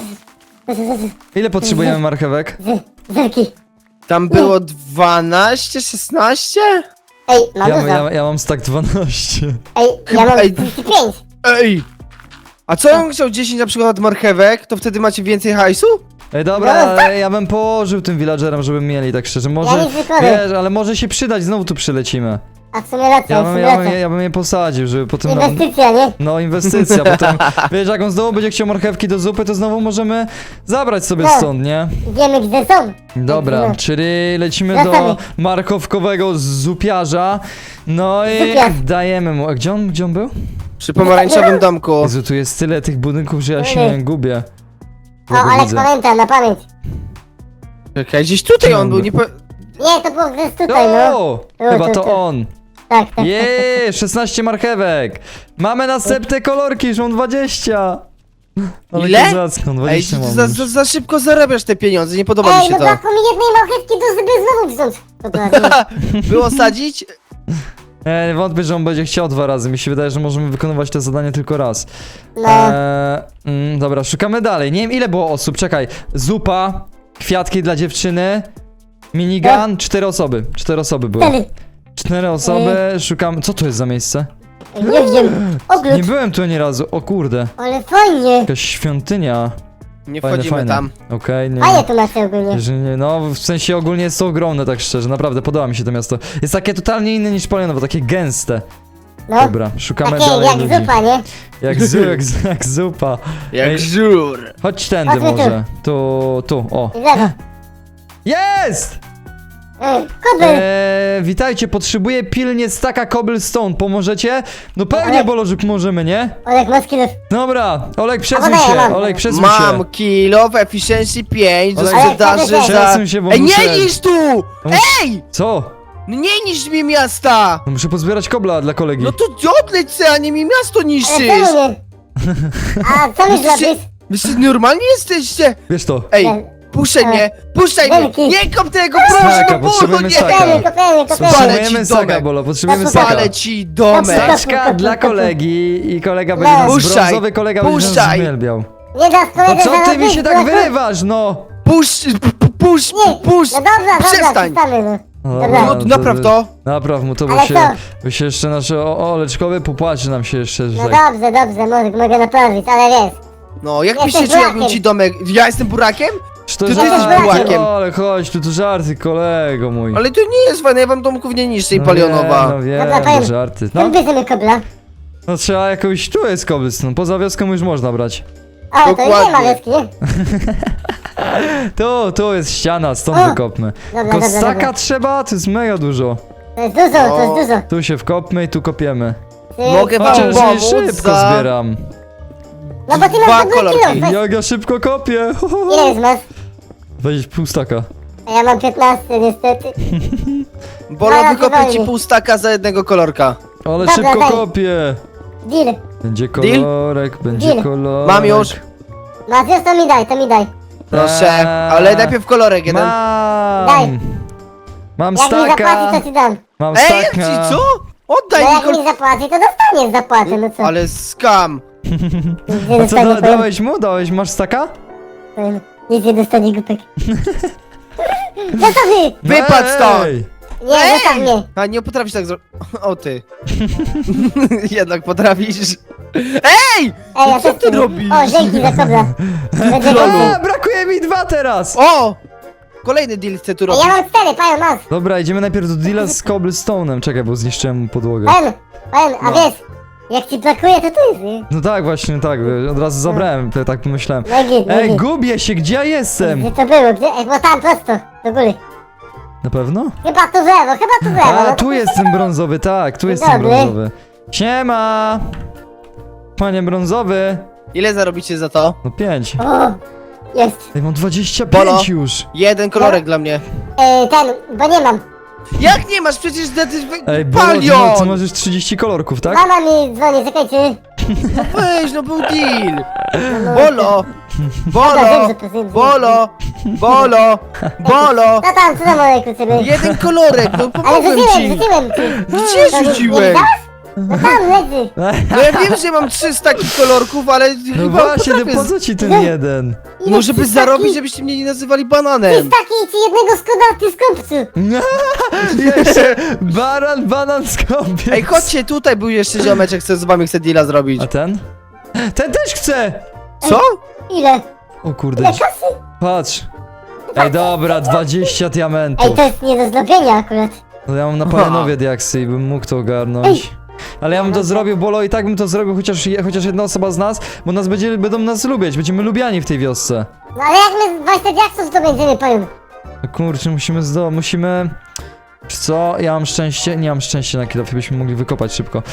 Speaker 1: Ile potrzebujemy marchewek?
Speaker 3: Z- Zerki.
Speaker 2: Tam było dwanaście, szesnaście?
Speaker 3: Ej, mam
Speaker 1: Ja,
Speaker 3: dużo.
Speaker 1: ja, ja mam stack dwanaście.
Speaker 3: Ej, ja mam
Speaker 2: Ej.
Speaker 3: trzydzieści pięć.
Speaker 2: Ej! A co ja bym chciał dziesięć na przykład marchewek, to wtedy macie więcej hajsu?
Speaker 1: Ej, dobra, ale ja bym położył tym villagerom, żeby mieli, tak szczerze. Może,
Speaker 3: Ja nic nie powiem.
Speaker 1: wiesz, ale może się przydać, znowu tu przylecimy.
Speaker 3: A w sumie racja,
Speaker 1: Ja
Speaker 3: w
Speaker 1: bym,
Speaker 3: sumie
Speaker 1: ja bym,
Speaker 3: racja.
Speaker 1: ja bym je posadził, żeby potem...
Speaker 3: Inwestycja, nie?
Speaker 1: No, inwestycja, potem, wiesz, jak on znowu będzie chciał marchewki do zupy, to znowu możemy zabrać sobie
Speaker 3: No.
Speaker 1: stąd, nie?
Speaker 3: Wiemy gdzie są.
Speaker 1: Dobra,
Speaker 3: No.
Speaker 1: czyli lecimy
Speaker 3: Wracamy.
Speaker 1: do marchowkowego zupiarza. No i
Speaker 3: Zupiarz.
Speaker 1: dajemy mu. A gdzie on, gdzie on był?
Speaker 2: Przy pomarańczowym domku.
Speaker 1: Jezu, tu jest tyle tych budynków, że ja się
Speaker 3: Ej.
Speaker 1: gubię.
Speaker 3: O,
Speaker 1: Kogo
Speaker 3: ale
Speaker 1: widzę?
Speaker 3: pamiętam, na pamięć.
Speaker 2: Czekaj, gdzieś tutaj on był, nie po...
Speaker 3: Nie, to było gdzieś tutaj, no.
Speaker 1: O!
Speaker 3: Było
Speaker 1: Chyba to
Speaker 3: tutaj.
Speaker 1: on.
Speaker 3: Tak, tak.
Speaker 1: Jeee, szesnaście marchewek. Mamy następne kolorki, już mam dwadzieścia. Ale
Speaker 2: Ile?
Speaker 1: kozacko,
Speaker 2: Ej,
Speaker 1: dwadzieścia
Speaker 2: ty
Speaker 1: mam
Speaker 2: za,
Speaker 1: już.
Speaker 2: za, za szybko zarabiasz te pieniądze, nie podoba mi
Speaker 3: Ej,
Speaker 2: się
Speaker 3: no
Speaker 2: to.
Speaker 3: brakło mi jednej marchewki, to żeby znowu wziąć. Dobra, nie.
Speaker 2: Było sadzić?
Speaker 1: Ja nie wątpię, że on będzie chciał dwa razy. Mi się wydaje, że możemy wykonywać to zadanie tylko raz.
Speaker 3: No.
Speaker 1: Eee, mm, dobra, szukamy dalej. Nie wiem, ile było osób. Czekaj. Zupa, kwiatki dla dziewczyny, minigun, cztery osoby. Cztery osoby były.
Speaker 3: Cztery.
Speaker 1: Cztery osoby, szukam. Co to jest za miejsce?
Speaker 3: Ej, nie wiem. Ogród.
Speaker 1: Nie byłem tu ani razu. O kurde.
Speaker 3: Ale fajnie.
Speaker 1: Jakaś świątynia.
Speaker 2: Nie
Speaker 1: Fajne,
Speaker 2: wchodzimy
Speaker 1: fajne.
Speaker 2: tam.
Speaker 1: Okej, nie.
Speaker 3: Fajnie to macie ogólnie.
Speaker 1: Że nie, no, w sensie ogólnie jest to ogromne, tak szczerze, naprawdę podoba mi się to miasto. Jest takie totalnie inne niż Palionowo, takie gęste.
Speaker 3: No.
Speaker 1: Dobra, szukamy
Speaker 3: Takie
Speaker 1: dalej
Speaker 3: jak
Speaker 1: ludzi.
Speaker 3: zupa, nie?
Speaker 1: Jak, zu, jak, z- jak zupa.
Speaker 2: Jak
Speaker 1: Ej.
Speaker 2: żur.
Speaker 1: Chodź tędy
Speaker 3: Chodźmy tu.
Speaker 1: może. Tu, tu, o.
Speaker 3: I lewo.
Speaker 1: Jest!
Speaker 3: Ej, kobel.
Speaker 1: Eee, witajcie, potrzebuję pilnie staka cobblestone, pomożecie? No pewnie,
Speaker 3: Ale-
Speaker 1: Bolo, że pomożemy, nie?
Speaker 3: Olek, masz kilof.
Speaker 1: Dobra, Olek, przesuń
Speaker 3: A,
Speaker 1: się,
Speaker 3: mam.
Speaker 1: Olek, przesuń
Speaker 2: Mam
Speaker 1: się.
Speaker 2: kilo w efficiency pięć do
Speaker 1: Ale-
Speaker 2: sprzedaży
Speaker 3: Ale-
Speaker 2: za...
Speaker 1: Przesuń się, bo
Speaker 2: Ej,
Speaker 1: muszę...
Speaker 2: nie niż tu! Ej!
Speaker 1: Co?
Speaker 2: No nie niż mi miasta!
Speaker 1: No muszę pozbierać kobla dla kolegi.
Speaker 2: No to odleć se, a nie mi miasto
Speaker 3: Ale
Speaker 2: niszczysz!
Speaker 3: czemu nie? A co mi
Speaker 2: Jesteście-
Speaker 3: zrobisz?
Speaker 2: Wy się normalnie jesteście?
Speaker 1: Wiesz to.
Speaker 2: Ej,
Speaker 3: Nie.
Speaker 2: puszczaj
Speaker 3: E,
Speaker 2: mnie! Puszczaj mnie!
Speaker 3: wielki.
Speaker 2: Nie kop tego, proszę,
Speaker 1: Staka,
Speaker 2: no bólu,
Speaker 1: potrzebujemy
Speaker 2: nie!
Speaker 1: staka.
Speaker 3: Kopiemy, kopiemy, kopiemy.
Speaker 2: Spalę
Speaker 1: Potrzebujemy
Speaker 2: ci
Speaker 1: staka,
Speaker 2: domek.
Speaker 1: Bolo, potrzebujemy
Speaker 3: Spalę
Speaker 1: staka.
Speaker 2: Palę ci domek!
Speaker 3: Dobra.
Speaker 1: Staczka dla kolegi i kolega będzie
Speaker 3: No.
Speaker 1: nas
Speaker 2: Puszczaj,
Speaker 1: brązowy, kolega będzie nas
Speaker 2: puszczaj.
Speaker 1: uwielbiał.
Speaker 3: Nie dasz
Speaker 1: No
Speaker 3: koledze
Speaker 1: co ty mi
Speaker 3: zarobić,
Speaker 1: się tak
Speaker 3: bo-
Speaker 1: wyrywasz, no?
Speaker 2: Puść, p- p- puść,
Speaker 3: Nie,
Speaker 2: puść!
Speaker 3: no dobra, dobra,
Speaker 2: Przestań.
Speaker 3: przestamy, no.
Speaker 1: No,
Speaker 3: Dobra.
Speaker 2: No, napraw to!
Speaker 1: Napraw mu to, bo
Speaker 3: Ale
Speaker 1: się,
Speaker 3: co?
Speaker 1: bo się jeszcze nasze o, oleczkowy popłaczy nam się jeszcze, że
Speaker 3: No
Speaker 1: tak.
Speaker 3: dobrze, dobrze, mogę, mogę naprawić, ale wiesz.
Speaker 2: No, jak
Speaker 3: Jesteś
Speaker 2: byś się czuł, jakbym
Speaker 3: burakiem.
Speaker 2: ci domek... Ja jestem burakiem?
Speaker 1: Czy to
Speaker 2: Ty
Speaker 3: jesteś
Speaker 1: żarty?
Speaker 2: burakiem.
Speaker 1: O, ale chodź, tu to żarty, kolego mój.
Speaker 2: Ale to nie jest fajne, ja wam domków nie niszczę i
Speaker 1: No
Speaker 2: palionowa.
Speaker 1: wiem, no wiem,
Speaker 3: Dobra,
Speaker 1: to
Speaker 3: powiem.
Speaker 1: żarty.
Speaker 3: No.
Speaker 1: No,
Speaker 3: Bierzemy kobla.
Speaker 1: no trzeba jakąś, tu jest cobblestone, poza wioską już można brać.
Speaker 3: O, to już nie ma
Speaker 2: Dokładnie.
Speaker 3: wioski, nie?
Speaker 1: Tu, tu jest ściana, stąd
Speaker 3: O.
Speaker 1: wykopmy.
Speaker 3: Dobra,
Speaker 1: Tylko
Speaker 3: dobra,
Speaker 1: staka
Speaker 3: dobra.
Speaker 1: trzeba, to jest mega dużo.
Speaker 3: To jest dużo, to
Speaker 2: O.
Speaker 3: jest dużo.
Speaker 1: Tu się wkopmy i tu kopiemy.
Speaker 3: Ty-
Speaker 2: Mogę wam
Speaker 1: Chociaż
Speaker 2: pomóc
Speaker 1: szybko
Speaker 2: za...
Speaker 1: zbieram.
Speaker 3: No bo ty
Speaker 2: dwa
Speaker 3: masz dobry
Speaker 2: kolorki.
Speaker 3: kilo, weź.
Speaker 1: Jak ja szybko kopię!
Speaker 3: Ile już masz?
Speaker 1: Weź pół staka.
Speaker 3: A ja mam piętnaście niestety.
Speaker 2: Bolo,
Speaker 3: Zaraz
Speaker 2: wykopię ci
Speaker 3: wywali.
Speaker 2: pół staka za jednego kolorka.
Speaker 1: Ale
Speaker 3: Dobra,
Speaker 1: szybko
Speaker 3: daj.
Speaker 1: kopię!
Speaker 3: Deal.
Speaker 1: Będzie kolorek, będzie
Speaker 3: Deal.
Speaker 1: kolorek.
Speaker 2: Mam już.
Speaker 3: Masz już, to mi daj, to mi daj.
Speaker 2: Proszę,
Speaker 1: Eee,
Speaker 2: ale najpierw kolorek jeden.
Speaker 1: Mam!
Speaker 3: Daj.
Speaker 1: Mam
Speaker 3: Jak mi
Speaker 1: staka!
Speaker 3: zapłaci, to ci dam.
Speaker 1: Mam
Speaker 2: Ej,
Speaker 1: staka!
Speaker 2: ci co?
Speaker 3: No
Speaker 2: Oddaj mi
Speaker 3: jak
Speaker 2: kol...
Speaker 3: mi zapłaci, to dostaniesz zapłatę, no co?
Speaker 2: Ale skam.
Speaker 3: Nic nie
Speaker 1: A co,
Speaker 3: dostanie,
Speaker 1: da,
Speaker 3: powiem,
Speaker 1: dałeś mu? Dałeś, masz staka?
Speaker 3: powiem. Nic nie dostanie, głupek. Zostaw mnie!
Speaker 2: Wypadł stąd!
Speaker 1: Ej!
Speaker 3: Nie, zostaw mnie!
Speaker 2: A nie potrafisz tak zrobić. O ty. Jednak potrafisz. Ej!
Speaker 3: Ej, ja
Speaker 2: No co
Speaker 3: też
Speaker 2: ty
Speaker 3: chcę.
Speaker 2: robisz?
Speaker 3: O, dzięki za kobla. Będzie
Speaker 2: Lolu.
Speaker 3: więcej.
Speaker 1: A, brakuje mi dwa teraz!
Speaker 2: O! Kolejny deal chcę tu
Speaker 3: Ej,
Speaker 2: robić.
Speaker 3: ja mam cztery, pają, masz.
Speaker 1: Dobra, idziemy najpierw do deala z cobblestone'em. Czekaj, bo zniszczyłem mu podłogę.
Speaker 3: Pają, pają, a
Speaker 2: No.
Speaker 3: wiesz, jak ci brakuje, to tu jest, nie?
Speaker 1: No tak, właśnie, tak. Od razu zabrałem, to tak pomyślałem.
Speaker 3: No i git, no i
Speaker 1: Ej,
Speaker 3: git.
Speaker 1: gubię się, gdzie ja jestem?
Speaker 3: Gdzie to było? Gdzie? Ej, bo tam prosto, do góry.
Speaker 1: Na pewno?
Speaker 3: Chyba tu w lewo, chyba tu w lewo.
Speaker 1: A,
Speaker 3: no to
Speaker 1: tu jest ten brązowy, tak, tu jest ten
Speaker 3: Dobry.
Speaker 1: brązowy. Siema! Panie brązowy!
Speaker 2: Ile zarobicie za to?
Speaker 1: No pięć.
Speaker 3: O, jest.
Speaker 1: Ej, mam dwadzieścia
Speaker 2: Bolo.
Speaker 1: pięć już!
Speaker 2: Jeden kolorek dla mnie.
Speaker 3: Ej, ten, bo nie mam.
Speaker 2: Jak nie masz? Przecież ty...
Speaker 1: Ej, Bolo, ty,
Speaker 2: Palion!
Speaker 1: ma- ty masz już trzydzieści kolorków, tak?
Speaker 3: Mama mi dzwoni, czekajcie.
Speaker 2: No weź, no był deal.
Speaker 3: No,
Speaker 2: Bolo!
Speaker 3: Dobra,
Speaker 2: Bolo!
Speaker 3: wiem, że to wiem,
Speaker 2: Bolo! Bolo! Bolo!
Speaker 3: No tam, co tam olejku ciebie?
Speaker 2: Jeden kolorek, no
Speaker 3: Ale
Speaker 2: pomogłem
Speaker 3: rzuciłem,
Speaker 2: ci!
Speaker 3: rzuciłem ci.
Speaker 2: Gdzie
Speaker 3: To nie- Nie
Speaker 2: rzuciłeś?
Speaker 3: widziałeś? No tam leży.
Speaker 2: No ja wiem, że mam trzy takich kolorków, ale
Speaker 1: No
Speaker 2: chyba
Speaker 1: właśnie, no
Speaker 2: potrafię
Speaker 1: po
Speaker 2: z...
Speaker 1: co ci ten jeden?
Speaker 3: Ile
Speaker 2: Może by
Speaker 3: ci
Speaker 2: zarobić,
Speaker 3: taki-
Speaker 2: żebyście mnie nie nazywali
Speaker 3: Ty
Speaker 2: bananem.
Speaker 3: taki ci jednego skoda, ty skąpcu.
Speaker 1: Jeszcze baran, banan skąpiec.
Speaker 2: Ej, chodźcie, tutaj był jeszcze ziomeczek, chce z wami chce deala zrobić.
Speaker 1: A ten? Ten też chce!
Speaker 2: Co?
Speaker 3: Ile?
Speaker 1: O kurde,
Speaker 3: Ile kasy?
Speaker 1: patrz. Ej, dobra, dwadzieścia
Speaker 3: Ej,
Speaker 1: diamentów.
Speaker 3: to jest nie do zrobienia akurat.
Speaker 1: No ja mam na palenowie diaksy i bym mógł to ogarnąć. Ale ja bym to zrobił, Bolo, i tak bym to zrobił, chociaż, je- chociaż jedna osoba z nas, bo nas będzie, będą nas lubić, będziemy lubiani w tej wiosce.
Speaker 3: No ale jak my dwadzieścia diaksów to będziemy, powiem.
Speaker 1: No kurczę, musimy zdo... musimy... Czy co? Ja mam szczęście? Nie mam szczęścia na kilofie, byśmy mogli wykopać szybko.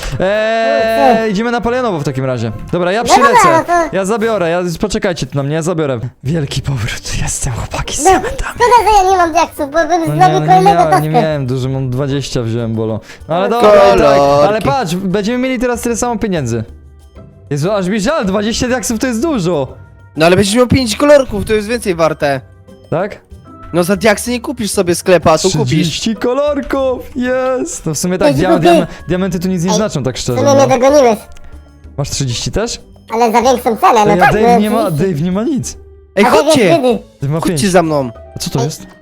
Speaker 1: Eee, idziemy na Palionowo w takim razie. Dobra, ja
Speaker 3: No dobra,
Speaker 1: przylecę.
Speaker 3: no to-
Speaker 1: Ja zabiorę, ja, poczekajcie tu na mnie, ja zabiorę. Wielki powrót, jestem chłopaki z
Speaker 3: No,
Speaker 1: cementami.
Speaker 3: szkoda, że ja nie mam diaksów, bo bym
Speaker 1: No
Speaker 3: zrobił
Speaker 1: nie, no nie,
Speaker 3: kolejnego
Speaker 1: miałem,
Speaker 3: taskę.
Speaker 1: nie miałem dużo, mam dwadzieścia wziąłem, Bolo. No ale
Speaker 3: No,
Speaker 1: dobra, i tak,
Speaker 2: kolorki.
Speaker 1: ale patrz, będziemy mieli teraz tyle samo pieniędzy. Jezu, aż mi żal, dwadzieścia diaksów to jest dużo.
Speaker 2: No ale będziesz miał pięć kolorków, to jest więcej warte.
Speaker 1: Tak?
Speaker 2: No za diaksy nie kupisz sobie sklepa, a tu kupisz.
Speaker 1: trzydzieści kolorków, jest! No w sumie tak,
Speaker 3: Ej,
Speaker 1: dia
Speaker 3: ty-
Speaker 1: diam diamenty tu nic nie
Speaker 3: Ej,
Speaker 1: znaczą, tak
Speaker 3: W
Speaker 1: szczerze.
Speaker 3: sumie mnie
Speaker 1: No.
Speaker 3: dogoniłeś,
Speaker 1: Masz trzydzieści też?
Speaker 3: ale za większą cenę, no
Speaker 1: Ej, a
Speaker 3: tak,
Speaker 1: Dave
Speaker 3: no,
Speaker 1: nie ma,
Speaker 3: oczywiście.
Speaker 1: Dave nie ma nic.
Speaker 2: Ej,
Speaker 3: A Dave jest
Speaker 2: chodźcie!
Speaker 3: wtedy.
Speaker 1: Dave ma pięć.
Speaker 2: Chodźcie za mną.
Speaker 1: A co to jest?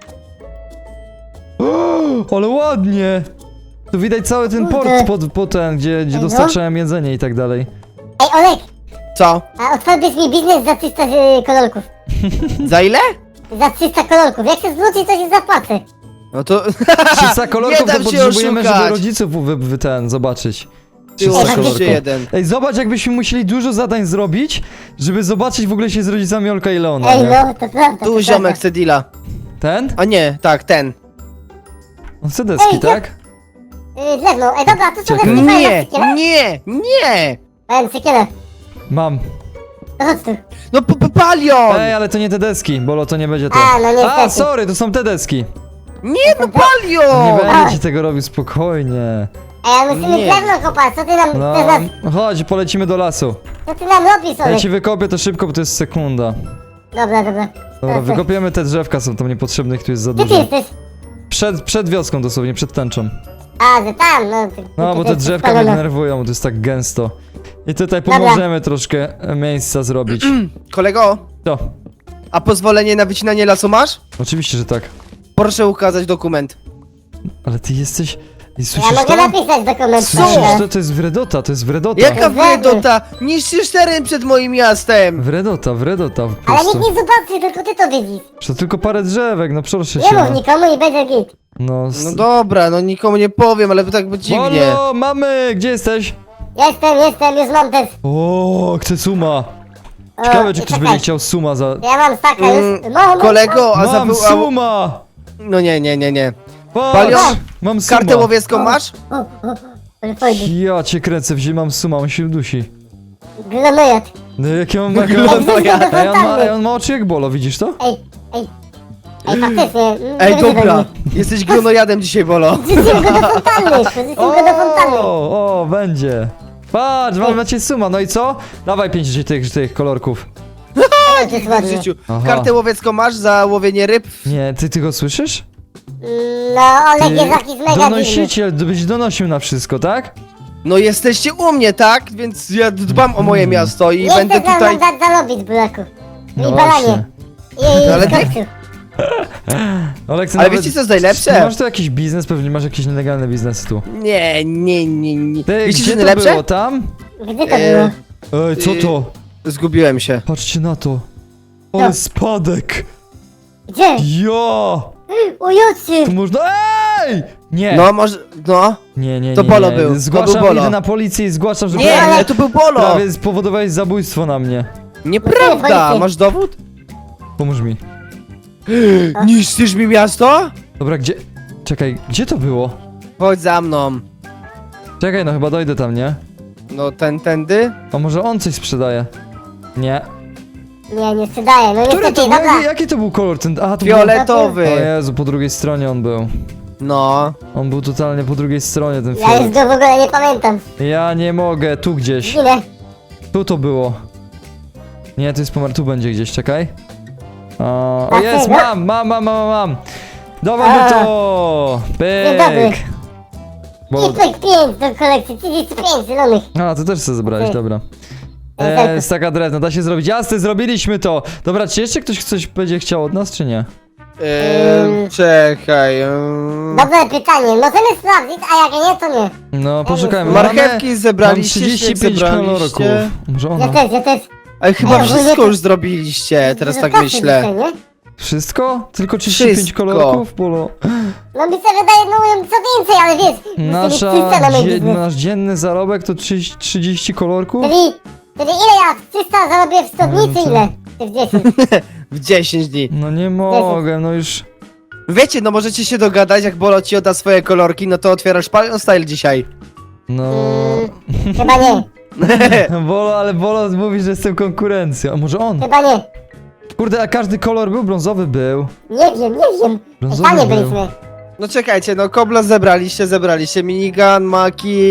Speaker 1: O, ale ładnie! Tu widać cały ten port
Speaker 3: Kurde.
Speaker 1: pod, pod ten, gdzie, gdzie
Speaker 3: Ej, no.
Speaker 1: dostarczałem jedzenie i tak dalej.
Speaker 3: Ej, Olek,
Speaker 2: Co?
Speaker 3: a otworzysz mi biznes za trzysta y, kolorków.
Speaker 2: Za ile?
Speaker 3: Za trzysta kolorków. Jak się zwróci, to się zapłacę.
Speaker 2: No to...
Speaker 1: trzysta kolorków
Speaker 2: dam
Speaker 1: to
Speaker 2: się
Speaker 1: potrzebujemy, żeby
Speaker 2: oszukać.
Speaker 1: rodziców wy, wy ten, zobaczyć.
Speaker 2: Ty
Speaker 1: trzysta
Speaker 3: Ej,
Speaker 1: kolorków.
Speaker 2: jeden.
Speaker 1: Ej, zobacz, jakbyśmy musieli dużo zadań zrobić, żeby zobaczyć w ogóle się z rodzicami Olka i Leona,
Speaker 3: Ej,
Speaker 1: nie?
Speaker 3: no, to prawda.
Speaker 2: Tu
Speaker 3: to
Speaker 2: ziomek
Speaker 3: prawda.
Speaker 2: chce deala.
Speaker 1: Ten?
Speaker 2: A nie, tak, ten.
Speaker 1: On chce deski,
Speaker 3: Ej,
Speaker 1: tak?
Speaker 3: Y, drewno. Ej, dobra, tu są
Speaker 1: Czekaj.
Speaker 3: deski, fajne
Speaker 2: Nie,
Speaker 3: sykiele.
Speaker 2: nie, nie!
Speaker 3: Fajne sykiele.
Speaker 1: Mam.
Speaker 3: To chodź tu.
Speaker 2: No p- p- palion!
Speaker 1: Ej, ale to nie te deski, Bolo, to nie będzie to.
Speaker 3: A, no niestety.
Speaker 1: A, sorry, to są te deski.
Speaker 2: Nie, no
Speaker 1: Nie
Speaker 2: palion!
Speaker 1: będę ci tego robił, spokojnie.
Speaker 3: Ej, ale musimy
Speaker 2: Nie.
Speaker 3: drewno kopać. Co ty nam,
Speaker 1: No,
Speaker 3: chcesz nas,
Speaker 1: chodź, polecimy do lasu.
Speaker 3: co ty nam robisz,
Speaker 1: Ja
Speaker 3: Olek?
Speaker 1: ci wykopię to szybko, bo to jest sekunda.
Speaker 3: Dobra, dobra.
Speaker 1: Dobra, wykopiemy te drzewka, są tam niepotrzebne, ich tu jest za
Speaker 3: Gdzie ty
Speaker 1: dużo.
Speaker 3: jesteś?
Speaker 1: Przed, przed wioską dosłownie, przed tęczą.
Speaker 3: A, że tam, no. ty-
Speaker 1: No,
Speaker 3: ty-
Speaker 1: bo
Speaker 3: ty-
Speaker 1: te
Speaker 3: ty
Speaker 1: drzewka mnie
Speaker 3: spalona.
Speaker 1: denerwują, bo to jest tak gęsto. I tutaj
Speaker 3: Dobra.
Speaker 1: pomożemy troszkę e, miejsca zrobić.
Speaker 2: Kolego,
Speaker 1: To.
Speaker 2: a pozwolenie na wycinanie lasu masz?
Speaker 1: Oczywiście, że tak.
Speaker 2: Proszę ukazać dokument.
Speaker 1: Ale ty jesteś... I
Speaker 3: Ja
Speaker 1: słyszysz
Speaker 3: mogę
Speaker 1: to?
Speaker 3: napisać dokument.
Speaker 1: Słyszysz
Speaker 3: prawda?
Speaker 1: to? To jest wredota, to jest wredota.
Speaker 2: Jaka
Speaker 3: Wtedy.
Speaker 2: wredota! Niszczysz teren przed moim miastem!
Speaker 1: Wredota, wredota po
Speaker 3: Ale
Speaker 1: prostu.
Speaker 3: nikt nie zobaczy, tylko ty to widzisz.
Speaker 1: To tylko parę drzewek, no proszę
Speaker 3: Nie
Speaker 1: cię.
Speaker 3: mów nikomu i będzie git.
Speaker 1: No, s-
Speaker 2: No dobra, no nikomu nie powiem, ale tak by dziwnie.
Speaker 1: Halo, mamy! Gdzie jesteś?
Speaker 3: Jestem, jestem, już mam też.
Speaker 1: O, chcę suma.
Speaker 3: O,
Speaker 1: Ciekawe, czy ktoś
Speaker 3: czekaj.
Speaker 1: będzie chciał suma za...
Speaker 3: Ja mam staka
Speaker 2: Mm,
Speaker 3: już. No, no,
Speaker 2: Kolego, a
Speaker 1: Mam
Speaker 2: za... a-
Speaker 1: suma!
Speaker 2: No nie, nie, nie, nie.
Speaker 1: Patrz,
Speaker 2: Palion,
Speaker 1: mam suma.
Speaker 2: Kartę łowiecką masz?
Speaker 3: O, o, o, ale fajnie.
Speaker 1: Ja cię kręcę, wziąłem mam suma, on się dusi.
Speaker 3: Glonojad.
Speaker 1: No jakie mam mega...
Speaker 2: Glonojad.
Speaker 1: Ej, on ma, ej, on ma oczy jak Bolo, widzisz to?
Speaker 3: Ej, ej. Ej, faktycznie. mm,
Speaker 2: Ej,
Speaker 3: nie
Speaker 2: dobra.
Speaker 3: wyzywaj
Speaker 2: Jesteś glonojadem dzisiaj, Bolo.
Speaker 3: mnie. Wrzucimy go do fontanny. Wrzucimy go do fontanny.
Speaker 1: O, o, będzie. Patrz, mam macie suma, no i co? Dawaj pięć tych, tych kolorków.
Speaker 3: Ej, to jest
Speaker 2: W
Speaker 3: ładnie.
Speaker 2: życiu.
Speaker 1: Aha.
Speaker 2: Kartę łowiecką masz za łowienie ryb?
Speaker 1: Nie, ty, ty go słyszysz?
Speaker 3: Mm, No, Olek jest jakiś mega dziwny.
Speaker 1: Donosiciel, byś donosił na wszystko, tak?
Speaker 2: No jesteście u mnie, tak? Więc ja dbam o moje miasto i
Speaker 3: Nie
Speaker 2: będę
Speaker 3: chcesz
Speaker 2: tutaj...
Speaker 3: nam dać zarobić, buraku.
Speaker 1: No
Speaker 3: I
Speaker 1: właśnie.
Speaker 3: balanie. I,
Speaker 2: No ale
Speaker 3: i
Speaker 2: ty-
Speaker 3: skopciu.
Speaker 1: Oleksa,
Speaker 2: Ale
Speaker 1: nawet-
Speaker 2: wiecie co jest
Speaker 1: Ty
Speaker 2: najlepsze?
Speaker 1: masz tu jakiś biznes, pewnie masz jakieś nielegalne biznesy tu.
Speaker 2: Nie, nie, nie, nie.
Speaker 1: Ty,
Speaker 2: Wiecie co
Speaker 1: gdzie
Speaker 2: jest
Speaker 1: to
Speaker 2: najlepsze?
Speaker 1: było, tam?
Speaker 3: Gdzie to
Speaker 2: E,
Speaker 3: było?
Speaker 1: Ej, co to?
Speaker 2: Zgubiłem się.
Speaker 1: Patrzcie na to. Ale
Speaker 3: No.
Speaker 1: spadek.
Speaker 3: Gdzie?
Speaker 1: Ja!
Speaker 3: U Jucy.
Speaker 1: Tu można... Ej! Nie,
Speaker 2: No może... No.
Speaker 1: nie, nie, nie.
Speaker 2: To Bolo
Speaker 1: nie.
Speaker 2: był, to
Speaker 1: Zgłaszam,
Speaker 2: był Bolo.
Speaker 1: idę na policję i zgłaszam, że
Speaker 2: Nie,
Speaker 1: prawie,
Speaker 2: ale to był Bolo!
Speaker 1: prawie spowodowałeś zabójstwo na mnie.
Speaker 2: Nieprawda!
Speaker 3: Policję.
Speaker 2: Masz dowód?
Speaker 1: Pomóż mi.
Speaker 2: Niszczysz mi miasto?
Speaker 1: Dobra, gdzie... Czekaj, gdzie to było?
Speaker 2: Chodź za mną.
Speaker 1: Czekaj, no chyba dojdę tam, nie?
Speaker 2: No ten, tędy?
Speaker 1: A może on coś sprzedaje? Nie.
Speaker 3: Nie, nie sprzedaję. No
Speaker 1: Który
Speaker 3: niestety,
Speaker 1: to był?
Speaker 3: dobra.
Speaker 1: Jaki, jaki to był kolor? Ten... A, to był...
Speaker 2: Fioletowy.
Speaker 1: O Jezu, po drugiej stronie on był.
Speaker 2: No.
Speaker 1: On był totalnie po drugiej stronie, ten
Speaker 3: Ja
Speaker 1: fiolet.
Speaker 3: już go w ogóle nie pamiętam.
Speaker 1: Ja nie mogę, tu gdzieś.
Speaker 3: Ginę.
Speaker 1: Tu to było. Nie, to jest pomer, tu będzie gdzieś, czekaj. O, o
Speaker 3: A
Speaker 1: jest,
Speaker 3: tego?
Speaker 1: mam, mam, mam, mam, mam. Dawaj
Speaker 3: A.
Speaker 1: mi to!
Speaker 3: Dzień dobry.
Speaker 1: Pyk! Bo...
Speaker 3: I pyk pięć do kolekcji, trzydzieści pięć zielonych.
Speaker 1: A, to też sobie zabrałeś,
Speaker 3: Ej.
Speaker 1: dobra.
Speaker 3: Ej,
Speaker 1: E,
Speaker 3: tak.
Speaker 1: staka drewna, da się zrobić. Jasne, zrobiliśmy to! Dobra, czy jeszcze ktoś coś będzie chciał od nas, czy nie?
Speaker 2: Eee, czekaj. eee.
Speaker 3: Dobre pytanie, możemy sprawdzić, a jak nie, to nie.
Speaker 1: No, poszukajmy.
Speaker 2: Marchewki
Speaker 1: Mamy-
Speaker 2: zebraliście,
Speaker 1: Mam
Speaker 2: śnieg
Speaker 1: trzydzieści pięć kolorków.
Speaker 2: zebraliście.
Speaker 1: Może
Speaker 3: Ja
Speaker 1: ona.
Speaker 3: też, ja też.
Speaker 2: Ale chyba
Speaker 3: Ej,
Speaker 2: wszystko
Speaker 3: ogólnie
Speaker 2: już zrobiliście, teraz
Speaker 3: Dużo
Speaker 2: tak
Speaker 3: kasy
Speaker 2: myślę.
Speaker 3: dzisiaj, nie?
Speaker 1: Wszystko? Tylko trzydzieści pięć
Speaker 2: Wszystko.
Speaker 1: kolorków? Bolo.
Speaker 3: No mi się wydaje, no co więcej, ale wiesz, musimy mieć
Speaker 1: Nasza,
Speaker 3: trzysta na mój
Speaker 1: dzie,
Speaker 3: biznes.
Speaker 1: nasz dzienny zarobek to trzydzieści, trzydzieści kolorków?
Speaker 3: Czyli, czyli ile ja trzysta zarobię w stopnicy,
Speaker 1: No to-
Speaker 3: ile? Czy w dziesięć?
Speaker 2: W dziesięć dni.
Speaker 1: No nie mogę, no już...
Speaker 2: Wiecie, no możecie się dogadać, jak Bolo ci odda swoje kolorki, no to otwierasz Palion Style dzisiaj.
Speaker 1: No...
Speaker 3: Mm, chyba nie,
Speaker 1: Bolo, ale Bolo mówi, że jestem konkurencją. A może on?
Speaker 3: chyba nie.
Speaker 1: Kurde, a każdy kolor był? Brązowy był.
Speaker 3: Nie wiem, nie wiem.
Speaker 1: Brązowy
Speaker 3: Panie
Speaker 1: był.
Speaker 3: byliśmy.
Speaker 2: No czekajcie, no kobla zebraliście, zebraliście minigun, maki.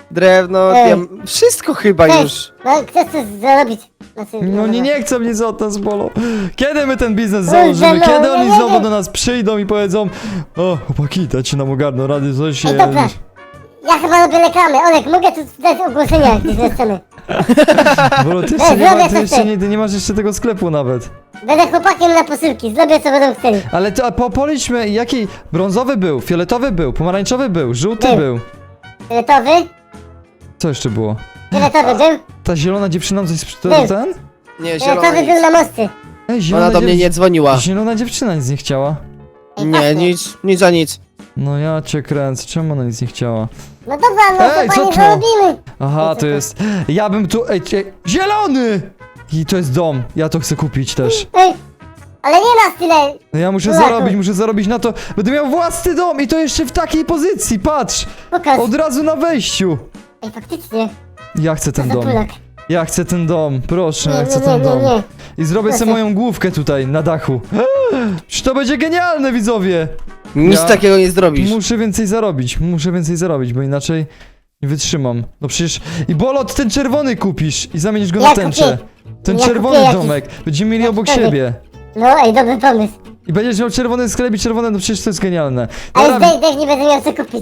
Speaker 2: drewno,
Speaker 3: Ej.
Speaker 2: diam- wszystko chyba
Speaker 3: Cześć.
Speaker 2: już.
Speaker 3: No, chcesz coś zarobić? Znaczy,
Speaker 1: No nie, nie chcę mnie za to z Bolo. Kiedy my ten biznes
Speaker 3: Kurde,
Speaker 1: założymy?
Speaker 3: no,
Speaker 1: Kiedy
Speaker 3: no
Speaker 1: oni
Speaker 3: nie
Speaker 1: znowu
Speaker 3: wiem.
Speaker 1: do nas przyjdą i powiedzą: o, chłopaki, dajcie nam ogarnął rady, coś się...
Speaker 3: Ej, dobra. Ja chyba robię reklamy. Olek, mogę tu dać ogłoszenia, jak gdzieś chcemy.
Speaker 1: Bolo, ty
Speaker 3: No,
Speaker 1: jeszcze, nie, ma,
Speaker 3: zrobię
Speaker 1: ty
Speaker 3: coś
Speaker 1: jeszcze
Speaker 3: ty.
Speaker 1: nie, ty nie masz jeszcze tego sklepu nawet.
Speaker 3: Będę chłopakiem na posyłki, zrobię co będą chcieli.
Speaker 1: Ale to, a po, policzmy, jaki brązowy był, fioletowy był, pomarańczowy był, żółty
Speaker 3: Był.
Speaker 1: był.
Speaker 3: Fioletowy?
Speaker 1: Co jeszcze było?
Speaker 3: Fioletowy był?
Speaker 1: Ta zielona dziewczyna coś... To,
Speaker 3: Był.
Speaker 1: ten?
Speaker 2: Nie, zielona
Speaker 3: Fioletowy był
Speaker 2: nic.
Speaker 3: na mosty.
Speaker 1: Ej, zielona
Speaker 2: Ona do mnie
Speaker 1: dziew-
Speaker 2: nie dzwoniła.
Speaker 1: Zielona dziewczyna nic nie chciała.
Speaker 3: Ej,
Speaker 2: Nie,
Speaker 3: patrzcie.
Speaker 2: nic, nic za nic.
Speaker 1: No ja cię kręcę, czemu ona nic nie chciała?
Speaker 3: No dobra, no
Speaker 1: Ej,
Speaker 3: to
Speaker 1: co
Speaker 3: panie
Speaker 1: to?
Speaker 3: zarobimy.
Speaker 1: Aha,
Speaker 3: Ej,
Speaker 1: to
Speaker 3: co
Speaker 1: jest... Ja bym tu... Ej, ej, zielony! I to jest dom, ja to chcę kupić też.
Speaker 3: Ej, ale nie nas tyle.
Speaker 1: No ja muszę
Speaker 3: Buraku.
Speaker 1: zarobić, muszę zarobić na to. Będę miał własny dom i to jeszcze w takiej pozycji, patrz!
Speaker 3: Pokaż.
Speaker 1: Od razu na wejściu.
Speaker 3: Ej, faktycznie.
Speaker 1: Ja chcę
Speaker 3: Co
Speaker 1: ten
Speaker 3: za
Speaker 1: dom.
Speaker 3: Polak.
Speaker 1: Ja chcę ten dom, proszę, ja
Speaker 3: Nie,
Speaker 1: chcę
Speaker 3: nie,
Speaker 1: ten
Speaker 3: nie,
Speaker 1: dom.
Speaker 3: nie, nie.
Speaker 1: I zrobię sobie
Speaker 3: Proszę.
Speaker 1: moją główkę tutaj na dachu. Czy to będzie genialne, widzowie?
Speaker 2: Nic
Speaker 1: Ja
Speaker 2: takiego nie zrobisz.
Speaker 1: Muszę więcej zarobić, muszę więcej zarobić, bo inaczej nie wytrzymam. No przecież... I Bolot, ten czerwony kupisz i zamienisz go
Speaker 3: Ja
Speaker 1: na tęczę.
Speaker 3: kupię.
Speaker 1: Ten
Speaker 3: Ja
Speaker 1: czerwony
Speaker 3: kupię jakiś-
Speaker 1: domek. Będziemy mieli obok
Speaker 3: jakiś
Speaker 1: siebie.
Speaker 3: No, ej, dobry pomysł.
Speaker 1: I będziesz miał czerwony sklep i czerwone, no przecież to jest genialne.
Speaker 3: Ale
Speaker 1: Dobra,
Speaker 3: zdech, nie będę miał co kupić.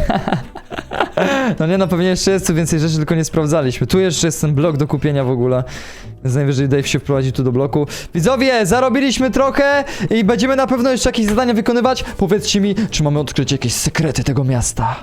Speaker 1: no nie, no pewnie jeszcze jest tu więcej rzeczy, tylko nie sprawdzaliśmy. Tu jeszcze jest ten blok do kupienia w ogóle. Więc najwyżej Dave się wprowadzi tu do bloku. Widzowie, zarobiliśmy trochę i będziemy na pewno jeszcze jakieś zadania wykonywać. Powiedzcie mi, czy mamy odkryć jakieś sekrety tego miasta.